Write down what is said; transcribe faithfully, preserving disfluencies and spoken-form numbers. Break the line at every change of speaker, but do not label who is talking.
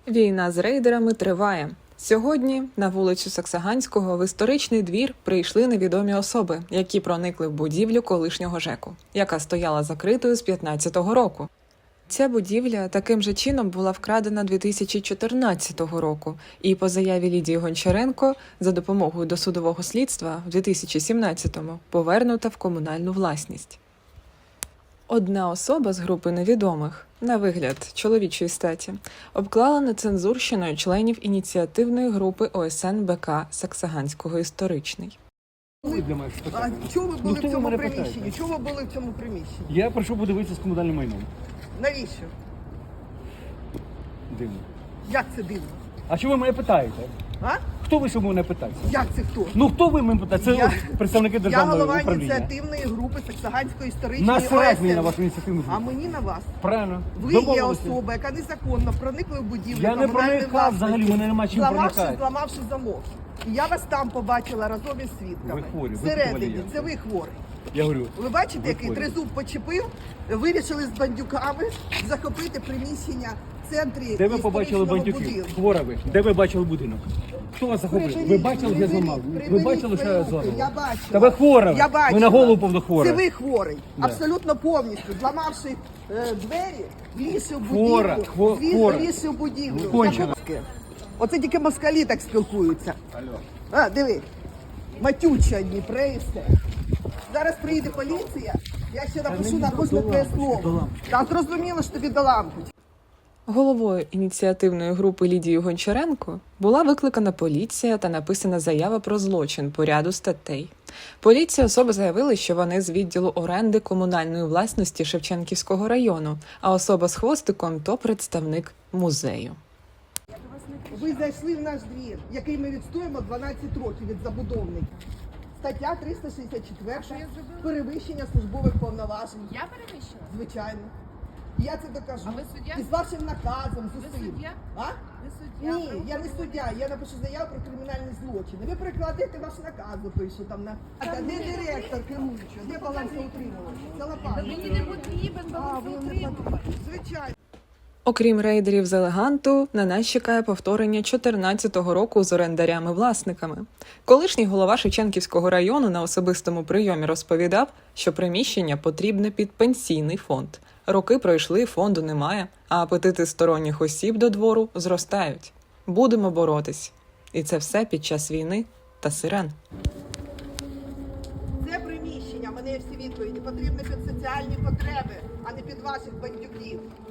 Війна з рейдерами триває. Сьогодні на вулицю Саксаганського в історичний двір прийшли невідомі особи, які проникли в будівлю колишнього ЖЕКу, яка стояла закритою з п'ятнадцятого року. Ця будівля таким же чином була вкрадена дві тисячі чотирнадцятого року і по заяві Лідії Гончаренко за допомогою досудового слідства в дві тисячі сімнадцятому повернута в комунальну власність. Одна особа з групи невідомих, на вигляд чоловічої статі, обклала нецензурщиною членів ініціативної групи О С Н Б К Саксаганського історичний.
А чого ви були
Ну,
в цьому
мене
приміщенні?
питаєте?
Чого ви були в цьому приміщенні?
Я прийшов подивитися з комунальним майном.
Навіщо?
Дивно.
Як це дивно?
А що ви мене питаєте?
А?
Хто ви, що мене питаєте?
Як це хто?
Ну хто ви мене питаєте? Це
Я-
представники
Я
державного
голова
управління.
ініціативної групи Саксаганської історичної
Насрать мені
О С Н.
на вашу ініціативну
А
групу.
мені на вас.
Правильно.
Ви є
Домовилися.
особа, яка незаконно проникла в будівлю
Я не
комунальної
проникав
власності,
взагалі, мене нема чим
зламавши,
проникати.
зламавши замок. І я вас там побачила разом із свідками.
Ви хворі, ви
Всередині.
хворі.
Це ви хворий.
Я говорю,
Ви бачите,
Ви
який
хворі.
тризуб почепив, вирішили з бандюками захопити приміщення в центрі
де ви побачили
історичного
бандюків?
будинку.
Хвора ви. Де ви бачили будинок? Хто вас захопив? Ви бачили, я зламав? Ви бачили, що я зламав?
Я бачила.
Та ви хвора.
Я бачила.
Ви на голову повно хвора.
Це ви хворий.
Да.
Абсолютно повністю. Зламавши е, двері, влізши в
Хвора,
будівлю.
хво-
Звідси
хвора.
влізши в будівлю.
Кончена.
Захопки. Оце тільки москалі так спілкуються. А, диви. Матючі одні, прейсе. Зараз приїде поліція, я ще напишу на кожне твоє слово. Та зрозуміло, що тобі до лампочки.
Головою ініціативної групи Лідією Гончаренко була викликана поліція та написана заява про злочин по ряду статей. Поліція особи заявили, що вони з відділу оренди комунальної власності Шевченківського району, а особа з хвостиком – то представник музею.
Ви зайшли в наш двір, який ми відстоїмо дванадцять років від забудовника. Стаття триста шістдесят чотири – перевищення службових повноважень.
Я перевищила?
Звичайно. Я це докажу.
А ви суддя?
І з вашим наказом, з
Ви
усім.
суддя?
А?
Ви суддя?
Ні, я не суддя, я напишу заяву про кримінальні злочини. Ви прикладете ваш наказ, запишу там на... А де директор керуючий? Де балансоутримувач? Це лопата.
Мені не потрібен
А, ви не
балансоутримувач.
Звичайно.
Окрім рейдерів з Елеганту, на нас чекає повторення чотирнадцятого року з орендарями-власниками. Колишній голова Шевченківського району на особистому прийомі розповідав, що приміщення потрібне під пенсійний фонд. Роки пройшли, фонду немає, а апетити сторонніх осіб до двору зростають. Будемо боротись. І це все під час війни та сирен.
Це приміщення, в мене є всі відповіді, потрібне під соціальні потреби, а не під ваших бандюків.